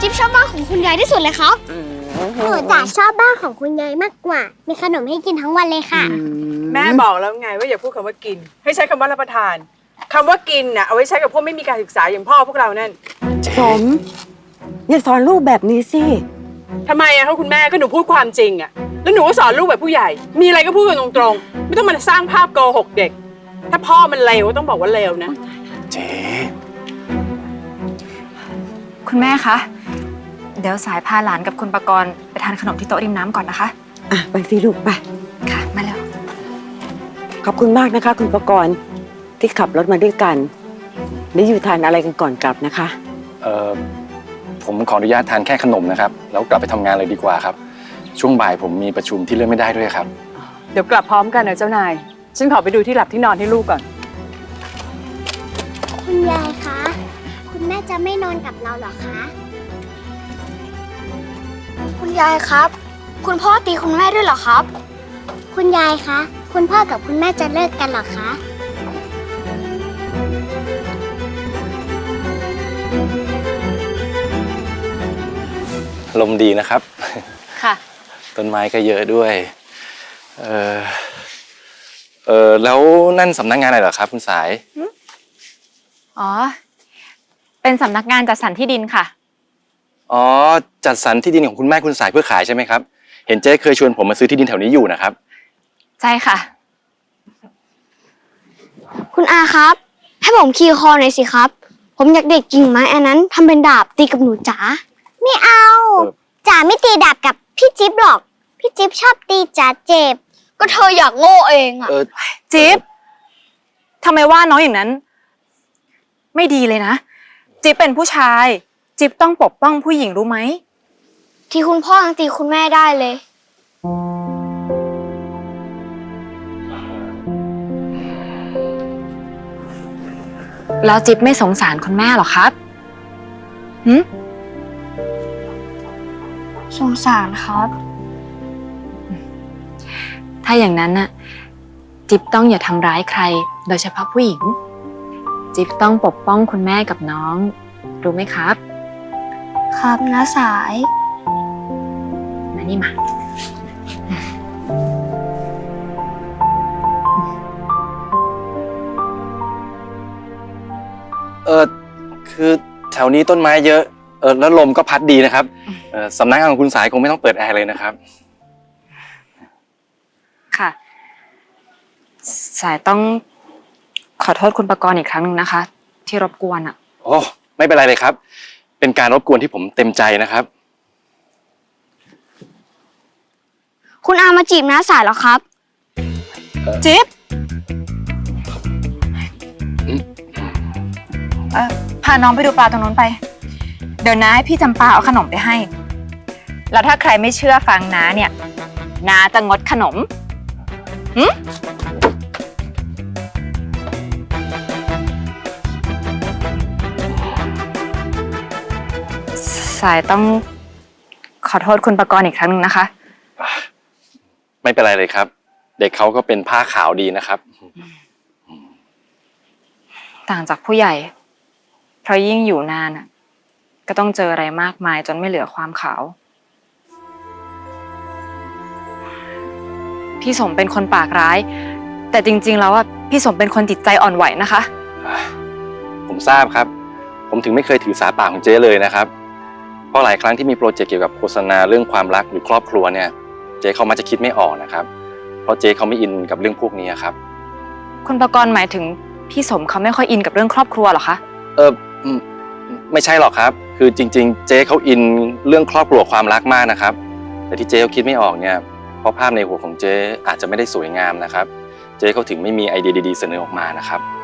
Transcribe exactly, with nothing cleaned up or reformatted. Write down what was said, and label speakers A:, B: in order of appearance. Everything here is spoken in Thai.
A: จิ๊บชอบบ้านของคุณยายที่สุดเลยครับหนูจ๋าชอบบ้านของคุณยายมากกว่ามีขนมให้กินทั้งวันเลยค่ะ
B: แม่บอกแล้วไงว่าอย่าพูดคำว่ากินให้ใช้คำว่ารับประทานคำว่ากินน่ะเอาไว้ใช้กับพวกไม่มีการศึกษาอย่างพ่อพวกเรานั่น
C: สมอย่าสอนลูกแบบนี้สิ
B: ทำไมอะคะคุณแม่ก็หนูพูดความจริงอะแล้วหนูก็สอนลูกแบบผู้ใหญ่มีอะไรก็พูดกันตรงๆไม่ต้องมาสร้างภาพโกหกเด็กถ้าพ่อมันเลวก็ต้องบอกว่าเลวนะ
D: เจ๊
E: คุณแม่คะเดี๋ยวสายพาหลานกับคุณปกรณ์ไปทานขนมที่โต๊ะริมน้ำก่อนนะคะ
C: อ่ะไปสิลูกไป
E: ค่ะมาแล้ว
C: ขอบคุณมากนะคะคุณปกรณ์ที่ขับรถมาด้วยกันได้อยู่ทานอะไรกันก่อนกลับนะคะ
D: เอ่อผมขออนุญาตทานแค่ขนมนะครับแล้วกลับไปทำงานเลยดีกว่าครับช่วงบ่ายผมมีประชุมที่เลื่อนไม่ได้ด้วยครับ
B: เดี๋ยวกลับพร้อมกันนะเจ้านายฉันขอไปดูที่หลับที่นอนให้ลูกก่อน
A: คุณยายคะคุณแม่จะไม่นอนกับเราหรอคะคุณยายครับคุณพ่อตีคุณแม่ด้วยเหรอครับคุณยายคะคุณพ่อกับคุณแม่จะเลิกกันหรอคะ
D: ลมดีนะครับ
E: ค่ะ
D: ต้นไม้ก็เยอะด้วยเออเออแล้วนั่นสำนักงานอะไรเหรอครับคุณสาย
E: อ๋อเป็นสำนักงานจัดสรรที่ดินค่ะ
D: อ๋อจัดสรรที่ดินของคุณแม่คุณสายเพื่อขายใช่ไหมครับเห็นเจ๊เคยชวนผมมาซื้อที่ดินแถวนี้อยู่นะครับ
E: ใช่ค่ะ
A: คุณอาครับให้ผมขี่คอหน่อยสิครับผมอยากเด็ดกิ่งไม้อันนั้นทำเป็นดาบตีกับหนูจ๋าไม่เอาจ๋าไม่ตีดาบกับพี่จิ๊บหรอกพี่จิ๊บชอบตีจ๋าเจ็บก็เธออยากโง่เองอะ
E: จิ๊บทำไมว่าน้องอย่างนั้นไม่ดีเลยนะจิ๊บเป็นผู้ชายจิ๊บต้องปกป้องผู้หญิงรู้ไหม
A: ที่คุณพ่อยังตีคุณแม่ได้เลย
E: แล้วจิ๊บไม่สงสารคุณแม่หรอครับหืม
A: สงสารครับ
E: ถ้าอย่างนั้นน่ะจิ๊บต้องอย่าทำร้ายใครโดยเฉพาะผู้หญิงจิ๊บต้องปกป้องคุณแม่กับน้องรู้ไหมครับ
A: ครับน้าสาย
E: มานี่มา
D: เออคือแถวนี้ต้นไม้เยอะเออแล้วลมก็พัดดีนะครับเออสำนักงานของคุณสายคงไม่ต้องเปิดแอร์เลยนะครับ
E: ค่ะสายต้องขอโทษคุณปกรณ์อีกครั้งหนึ่งนะคะที่รบกวนอ่ะ
D: โอ้ไม่เป็นไรเลยครับเป็นการรบกวนที่ผมเต็มใจนะครับ
A: คุณอามาจีบน้าสายเหรอครับ
E: จิ๊บเออพาน้องไปดูปลาตรงนู้นไปเดี๋ยวน้าให้พี่จำปาเอาขนมไปให้แล้วถ้าใครไม่เชื่อฟังน้าเนี่ยน้าจะงดขนมหืมสายต้องขอโทษคุณปกรณ์อีกครั้งหนึ่งนะคะ
D: ไม่เป็นไรเลยครับเด็กเขาก็เป็นผ้าขาวดีนะครับ
E: ต่างจากผู้ใหญ่เพราะยิ่งอยู่นานอ่ะก็ต้องเจออะไรมากมายจนไม่เหลือความขาวพี่สมเป็นคนปากร้ายแต่จริงๆแล้วอ่ะพี่สมเป็นคนจิตใจอ่อนไหวนะคะ
D: ผมทราบครับผมถึงไม่เคยถือสาปากของเจ๊เลยนะครับเพราะหลายครั้งที่มีโปรเจกต์เกี่ยวกับโฆษณาเรื่องความรักหรือครอบครัวเนี่ยเจ๊เขามักจะคิดไม่ออกนะครับเพราะเจ๊เขาไม่อินกับเรื่องพวกนี้ครับ
E: คุณปกรณ์หมายถึงพี่สมเขาไม่ค่อยอินกับเรื่องครอบครัวหรอคะ
D: เออไม่ใช่หรอกครับคือจริงๆเจ๊เขาอินเรื่องครอบครัวความรักมากนะครับแต่ที่เจ๊เขาคิดไม่ออกเนี่ยเพราะภาพในหัวของเจ๊อาจจะไม่ได้สวยงามนะครับเจ๊เขาถึงไม่มีไอเดียดีๆเสนอออกมานะครับ